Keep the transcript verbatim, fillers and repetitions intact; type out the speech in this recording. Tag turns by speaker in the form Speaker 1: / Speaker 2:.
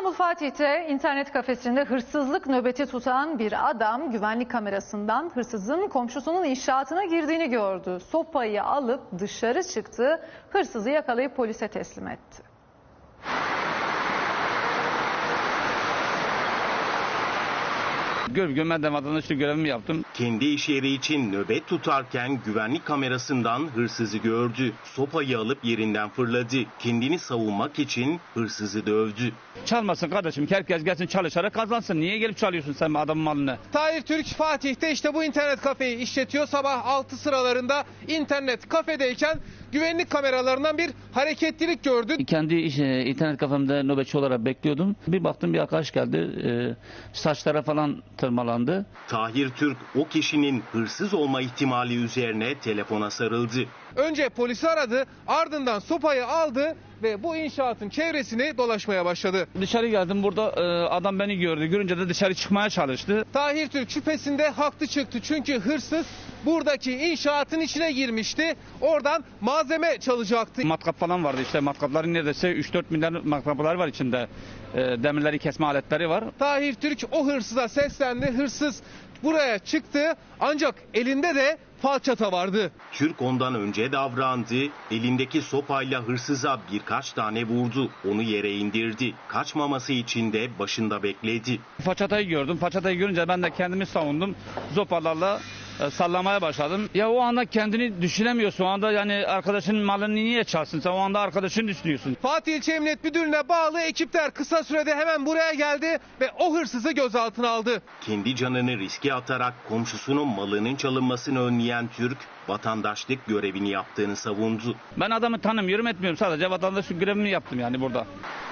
Speaker 1: İstanbul Fatih'te internet kafesinde hırsızlık nöbeti tutan bir adam güvenlik kamerasından hırsızın komşusunun inşaatına girdiğini gördü. Sopayı alıp dışarı çıktı, hırsızı yakalayıp polise teslim etti.
Speaker 2: Görev ben vatandaşlık görevimi yaptım.
Speaker 3: Kendi iş yeri için nöbet tutarken güvenlik kamerasından hırsızı gördü. Sopayı alıp yerinden fırladı. Kendini savunmak için hırsızı dövdü.
Speaker 2: Çalmasın kardeşim, herkes gelsin çalışarak kazansın. Niye gelip çalıyorsun sen adamın malını?
Speaker 4: Tahir Türk Fatih'te işte bu internet kafeyi işletiyor. Sabah altı sıralarında internet kafedeyken güvenlik kameralarından bir hareketlilik gördü.
Speaker 2: Kendi iş, e, internet kafemde nöbetçi olarak bekliyordum. Bir baktım bir arkadaş geldi. E, saçlara falan tırmalandı.
Speaker 3: Tahir Türk o kişinin hırsız olma ihtimali üzerine telefona sarıldı.
Speaker 4: Önce polisi aradı, ardından sopayı aldı ve bu inşaatın çevresini dolaşmaya başladı.
Speaker 2: Dışarı geldim, burada e, adam beni gördü. Görünce de dışarı çıkmaya çalıştı.
Speaker 4: Tahir Türk şüphesinde haklı çıktı çünkü hırsız buradaki inşaatın içine girmişti. Oradan malzeme çalacaktı.
Speaker 2: Matkap falan vardı, işte matkapların neredeyse üç dört milyar matkaplar var içinde. E, demirleri kesme aletleri var.
Speaker 4: Tahir Türk o hırsıza seslendi. Hırsız buraya çıktı ancak elinde de falçata vardı.
Speaker 3: Türk ondan önce davrandı. Elindeki sopayla hırsıza birkaç tane vurdu. Onu yere indirdi. Kaçmaması için de başında bekledi.
Speaker 2: Façatayı gördüm. Façatayı görünce ben de kendimi savundum. Zopalarla e, sallamaya başladım. Ya o anda kendini düşünemiyorsun. O anda yani arkadaşının malını niye çalsın? Sen o anda arkadaşını düşünüyorsun.
Speaker 4: Fatih İlçe Emniyet Müdürlüğü'ne bağlı ekipler kısa sürede hemen buraya geldi ve o hırsızı gözaltına aldı.
Speaker 3: Kendi canını riske atarak komşusunun malının çalınmasını önleyen Türk, vatandaşlık görevini yaptığını savundu.
Speaker 2: Ben adamı tanımıyorum, etmiyorum. Sadece vatandaşlık görevimi yaptım yani burada.